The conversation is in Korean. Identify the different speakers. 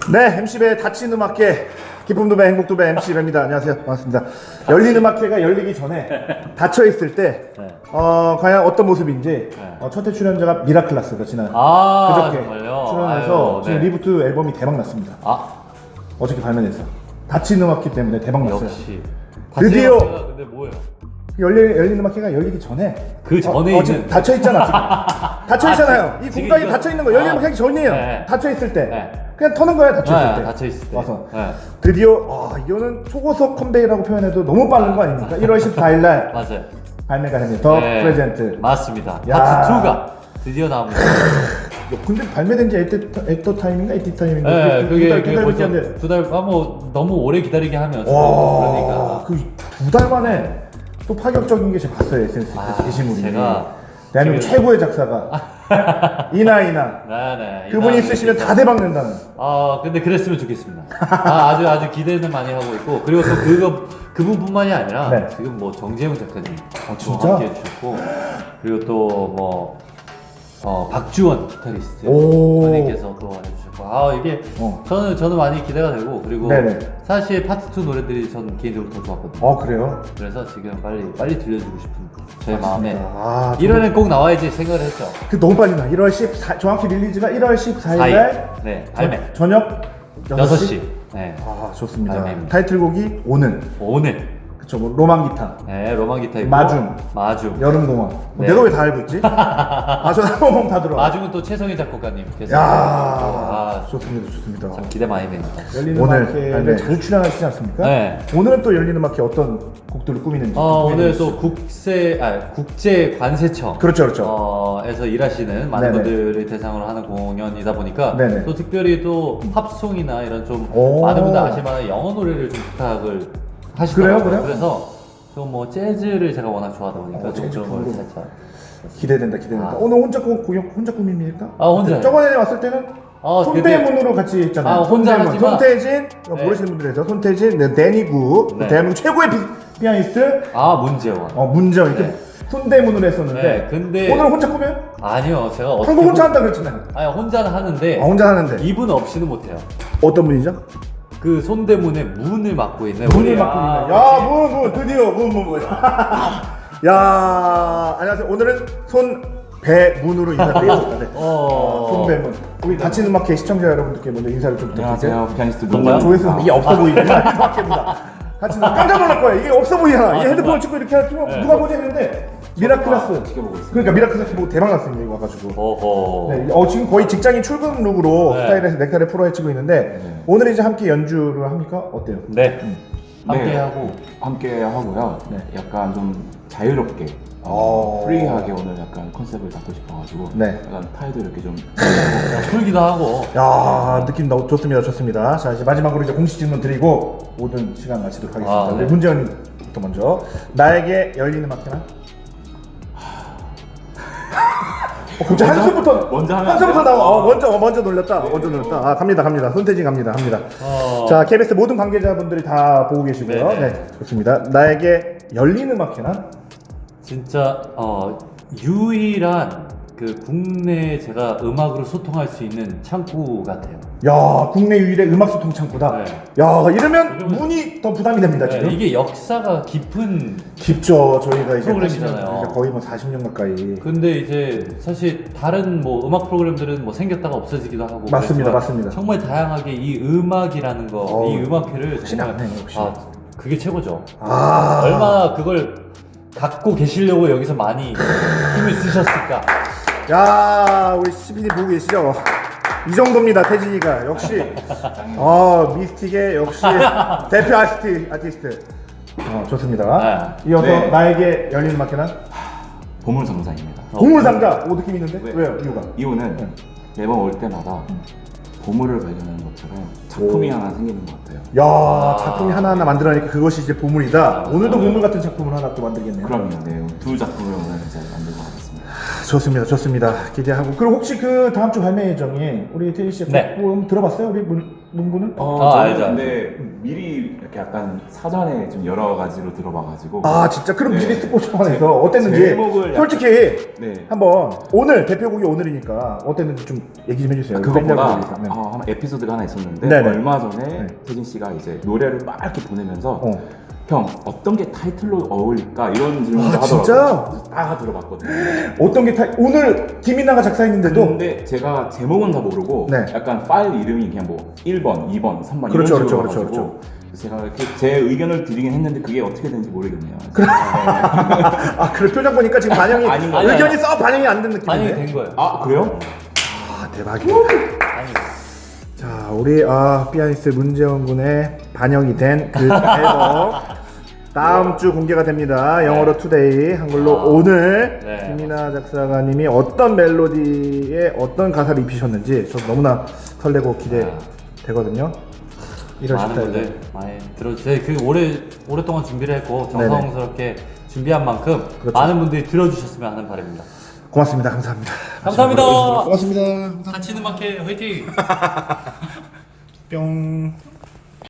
Speaker 1: 네, MC배 닫힌 음악회 기쁨도배 행복도배 MC배입니다. 안녕하세요. 반갑습니다. 열린 음악회가 열리기 전에 닫혀 있을 때 과연 어떤 모습인지 첫 회 출연자가 미라클라스가 지난 그저께
Speaker 2: 정말요?
Speaker 1: 출연해서
Speaker 2: 아유,
Speaker 1: 지금
Speaker 2: 네.
Speaker 1: 리부트 앨범이 대박 났습니다. 어저께 발매됐어. 닫힌 음악회 때문에 대박 났어요.
Speaker 2: 역시
Speaker 1: 드디어
Speaker 2: 근데 뭐예요?
Speaker 1: 열린 음악회가 열리기 전에
Speaker 2: 그 전에
Speaker 1: 지금
Speaker 2: 있는
Speaker 1: 닫혀 있잖아. 지금 닫혀 있잖아요. 이
Speaker 2: 지금
Speaker 1: 공간이
Speaker 2: 이거-
Speaker 1: 닫혀 있는 거 열린 음악회 하기 전이에요.
Speaker 2: 네.
Speaker 1: 닫혀 있을 때
Speaker 2: 네.
Speaker 1: 그냥 터는 거야. 닫혀 있을 때.
Speaker 2: 닫혀 있을 때
Speaker 1: 와서
Speaker 2: 네.
Speaker 1: 드디어 이거는 초고속 컴백이라고 표현해도 너무 빠른 거 아닙니까? 1월 14일 날
Speaker 2: 맞아요.
Speaker 1: 발매가 됩니다. 더
Speaker 2: 네.
Speaker 1: 프레젠트.
Speaker 2: 맞습니다.
Speaker 1: 야.
Speaker 2: 파트 2가 드디어 나옵니다.
Speaker 1: 근데 발매된 지 에터 타임인가 에티 타임인가?
Speaker 2: 네, 그게
Speaker 1: 두달
Speaker 2: 벌써
Speaker 1: 됐는데.
Speaker 2: 두 달, 뭐 너무 오래 기다리게 하면
Speaker 1: 와,
Speaker 2: 그러니까.
Speaker 1: 그 2달 만에 또 파격적인 게 제가 봤어요. SNS 게시물이.
Speaker 2: 제가
Speaker 1: 대한민국
Speaker 2: 지금-
Speaker 1: 최고의 작사가 이나
Speaker 2: 네네.
Speaker 1: 그분이 쓰시면 다 대박 nen다는.
Speaker 2: 근데 그랬으면 좋겠습니다. 아주 기대는 많이 하고 있고, 그리고 또 그분뿐만이 아니라
Speaker 1: 네.
Speaker 2: 지금 뭐 정재훈 작가님
Speaker 1: 진짜?
Speaker 2: 함께 해주셨고, 그리고 또 뭐 박주원 기타리스트
Speaker 1: 오.
Speaker 2: 분님께서 또 해주셨고, 이게 저는 많이 기대가 되고, 그리고
Speaker 1: 네네.
Speaker 2: 사실 파트 2 노래들이 전 개인적으로 더 좋았거든요.
Speaker 1: 그래요?
Speaker 2: 그래서 지금 빨리 들려주고 싶은 제 마음에
Speaker 1: 아,
Speaker 2: 1월엔 꼭 나와야지 생각을 했죠.
Speaker 1: 그 너무 빨리 나. 1월 14 정확히 릴리즈가 1월 14일 날
Speaker 2: 네, 발매.
Speaker 1: 저녁
Speaker 2: 6시. 네.
Speaker 1: 좋습니다.
Speaker 2: 발매입니다.
Speaker 1: 타이틀곡이 오늘.
Speaker 2: 오늘.
Speaker 1: 그쵸, 뭐 로망 기타,
Speaker 2: 네, 로망 기타이고 마중.
Speaker 1: 여름 동안.
Speaker 2: 네.
Speaker 1: 내가 왜 다 알고 있지? 저 한번 다 들어.
Speaker 2: 마중은 또 최성희 작곡가님께서.
Speaker 1: 좋습니다.
Speaker 2: 참 기대 많이 됩니다.
Speaker 1: 열리는
Speaker 2: 오늘
Speaker 1: 음악회를 자주 출연하시지 않습니까?
Speaker 2: 네.
Speaker 1: 오늘은 또 열리는 음악회 어떤 곡들을 꾸미는지.
Speaker 2: 오늘 또 국제 관세청.
Speaker 1: 그렇죠.
Speaker 2: 에서 일하시는 많은
Speaker 1: 네네.
Speaker 2: 분들을 대상으로 하는 공연이다 보니까
Speaker 1: 네네.
Speaker 2: 또 특별히 또 팝송이나 이런 좀
Speaker 1: 오.
Speaker 2: 많은 분들 아실 만한 영어 노래를 좀 부탁을 하시더라고요.
Speaker 1: 그래요?
Speaker 2: 그래서 좀 뭐 재즈를 제가 워낙 좋아하다 보니까 좀
Speaker 1: 재즈
Speaker 2: 그런 걸
Speaker 1: 공부.
Speaker 2: 살짝.
Speaker 1: 기대된다. 오늘 혼자 꾸밉니까?
Speaker 2: 혼자요.
Speaker 1: 저번에 왔을 때는 손대문으로 같이 했잖아요.
Speaker 2: 혼자 하지만-
Speaker 1: 손태진,
Speaker 2: 네.
Speaker 1: 모르시는 분들에서 손태진, 데니구,
Speaker 2: 네.
Speaker 1: 대한민국 최고의 피아니스트
Speaker 2: 문재원.
Speaker 1: 문재원 이렇게
Speaker 2: 네.
Speaker 1: 손대문으로 했었는데
Speaker 2: 네, 근데
Speaker 1: 오늘 혼자 꾸며요?
Speaker 2: 아니요, 제가 어떻게
Speaker 1: 한국 혼자 한다 그랬잖아요.
Speaker 2: 혼자는 하는데
Speaker 1: 혼자 하는데
Speaker 2: 이분 없이는 못해요.
Speaker 1: 어떤 분이죠?
Speaker 2: 그 손대문의 문을 맡고 있는
Speaker 1: 문을
Speaker 2: 우리-
Speaker 1: 맡고 있는. 문 드디어 문. 야, 안녕하세요. 오늘은 손배문으로 인사드리겠습니다. 네. 손배문. 우리 닫힌 음악회 시청자 여러분들께 먼저 인사를 좀 부탁드릴게요.
Speaker 3: 안녕하세요. 피아니스트
Speaker 2: 뭔가요?
Speaker 3: 문재원.
Speaker 1: 조회수 이게 없어 보이네. 음악회입니다. 닫힌 깜짝 놀랄 거예요. 이게 없어 보이잖아. 이게 핸드폰을 찍고 이렇게 하면 누가 보지 했는데 미라클라스.
Speaker 3: 지켜보고 있습니다.
Speaker 1: 그러니까 미라클라스 보고 대박 났습니다. 이거 와가지고.
Speaker 2: 어허.
Speaker 1: 네, 지금 거의 직장인 출근 룩으로
Speaker 2: 네.
Speaker 1: 스타일에서 넥타이를 풀어 헤치고 있는데 오늘 이제 함께 연주를 합니까? 어때요?
Speaker 2: 네. 함께
Speaker 3: 네.
Speaker 2: 하고
Speaker 3: 함께 하고요.
Speaker 1: 네.
Speaker 3: 약간 좀 자유롭게, 프리하게 오늘 약간 컨셉을 잡고 싶어가지고
Speaker 1: 네.
Speaker 3: 약간 타이도 이렇게 좀
Speaker 2: 풀기도 하고.
Speaker 1: 야, 느낌 너무 좋습니다. 자, 이제 마지막으로 이제 공식 질문 드리고 모든 시간 마치도록 하겠습니다.
Speaker 2: 네.
Speaker 1: 우리 문재원부터 먼저 나에게 열리는 음악회나? 갑자기 한숨부터
Speaker 3: 먼저 하면
Speaker 1: 한숨부터
Speaker 3: 안 돼요?
Speaker 1: 나와. 먼저 놀렸다. 먼저 놀렸다. 갑니다. 손태진 갑니다. 자, KBS 모든 관계자분들이 다 보고 계시고요.
Speaker 2: 네네.
Speaker 1: 네, 좋습니다. 나에게 열리는 음악회나?
Speaker 2: 진짜 유일한 그 국내 제가 음악으로 소통할 수 있는 창구 같아요.
Speaker 1: 야, 국내 유일의 음악 소통 창구다.
Speaker 2: 네.
Speaker 1: 야, 이러면 문이 더 부담이 됩니다,
Speaker 2: 네,
Speaker 1: 지금.
Speaker 2: 이게 역사가 깊은.
Speaker 1: 깊죠. 저희가 이제
Speaker 2: 프로그램이잖아요.
Speaker 1: 80년, 거의 뭐 40년 가까이.
Speaker 2: 근데 이제 사실 다른 뭐 음악 프로그램들은 뭐 생겼다가 없어지기도 하고.
Speaker 1: 맞습니다,
Speaker 2: 그렇지만
Speaker 1: 맞습니다.
Speaker 2: 정말 다양하게 이 음악이라는 거, 이 음악회를
Speaker 1: 역시
Speaker 2: 정말
Speaker 1: 나네, 역시.
Speaker 2: 그게 최고죠.
Speaker 1: 아.
Speaker 2: 얼마나 그걸 갖고 계시려고 여기서 많이 힘을 쓰셨을까.
Speaker 1: 야, 우리 CPD 보고 계시죠? 이 정도입니다, 태진이가. 역시. 미스틱의 역시 대표 아티스트. 좋습니다.
Speaker 3: 네.
Speaker 1: 이어서
Speaker 3: 네.
Speaker 1: 나에게 열리는 음악회는?
Speaker 3: 보물상자입니다.
Speaker 1: 보물상자. 느낌 있는데?
Speaker 3: 네.
Speaker 1: 왜요? 이유가?
Speaker 3: 이유는 매번 올 때마다 보물을 발견하는 것처럼 작품이 하나 생기는 것 같아요.
Speaker 1: 야, 작품이 하나하나 만들어내니까 그것이 이제 보물이다. 오늘도 보물 같은 작품을 하나 또 만들겠네요.
Speaker 3: 그럼요. 네, 두 작품을 오늘 이제 만들고 가겠습니다.
Speaker 1: 좋습니다, 좋습니다. 기대하고. 그리고 혹시 그 다음 주 발매 예정에 우리 테디 씨
Speaker 2: 네.
Speaker 1: 곡 들어봤어요? 우리 문구는?
Speaker 2: 아,
Speaker 3: 저는
Speaker 2: 알죠,
Speaker 3: 근데 미리 이렇게 약간 사전에 좀 여러 가지로 들어봐가지고.
Speaker 1: 아 진짜 그럼
Speaker 3: 네.
Speaker 1: 미리 스포츠원에서 어땠는지
Speaker 3: 제목을 약간-
Speaker 1: 솔직히
Speaker 3: 네.
Speaker 1: 한번 오늘 대표곡이 오늘이니까 어땠는지 좀 얘기 좀 해주세요.
Speaker 3: 그것보다
Speaker 1: 팬들을 위해서.
Speaker 3: 한 에피소드가 하나 있었는데
Speaker 1: 네네.
Speaker 3: 얼마 전에
Speaker 1: 네.
Speaker 3: 태진 씨가 이제 노래를 막 이렇게 보내면서
Speaker 1: 어.
Speaker 3: 형 어떤 게 타이틀로 어울릴까 이런 질문을
Speaker 1: 아,
Speaker 3: 하더라고요.
Speaker 1: 진짜?
Speaker 3: 그래서 다 들어봤거든요.
Speaker 1: 어떤 게 오늘 김이나가 작사했는데도
Speaker 3: 근데 제가 제목은 다 모르고
Speaker 1: 네.
Speaker 3: 약간 파일 이름이 그냥 뭐 1번, 2번, 3번
Speaker 1: 그렇죠,
Speaker 3: 이런 식으로
Speaker 1: 그렇죠,
Speaker 3: 가지고
Speaker 1: 그렇죠.
Speaker 3: 제가 이렇게 제 의견을 드리긴 했는데 그게 어떻게 되는지 모르겠네요.
Speaker 1: 아 그래 표정 보니까 지금 반영이
Speaker 3: 아닌 거
Speaker 1: 의견이
Speaker 2: 아니야.
Speaker 1: 썩 반영이 안 된
Speaker 2: 반영이
Speaker 1: 느낌인데.
Speaker 2: 된 거예요.
Speaker 3: 아 그래요?
Speaker 1: 아 대박이다. 자 우리 피아니스트 문재원 군의 반영이 된 그 앨범 다음 주 공개가 됩니다. 영어로 투데이, 한글로 오늘.
Speaker 2: 네.
Speaker 1: 김이나 작사가님이 어떤 멜로디에 어떤 가사를 입히셨는지 저 너무나 설레고 기대되거든요. 1월
Speaker 2: 많은
Speaker 1: 14일.
Speaker 2: 분들 많이 들어주세요. 그 오랫동안 준비를 했고
Speaker 1: 네네.
Speaker 2: 정성스럽게 준비한 만큼
Speaker 1: 그렇죠.
Speaker 2: 많은 분들이 들어주셨으면 하는 바람입니다.
Speaker 1: 고맙습니다. 감사합니다.
Speaker 2: 감사합니다.
Speaker 1: 고맙습니다.
Speaker 2: 같이 있는 마켓 화이팅!
Speaker 1: 뿅.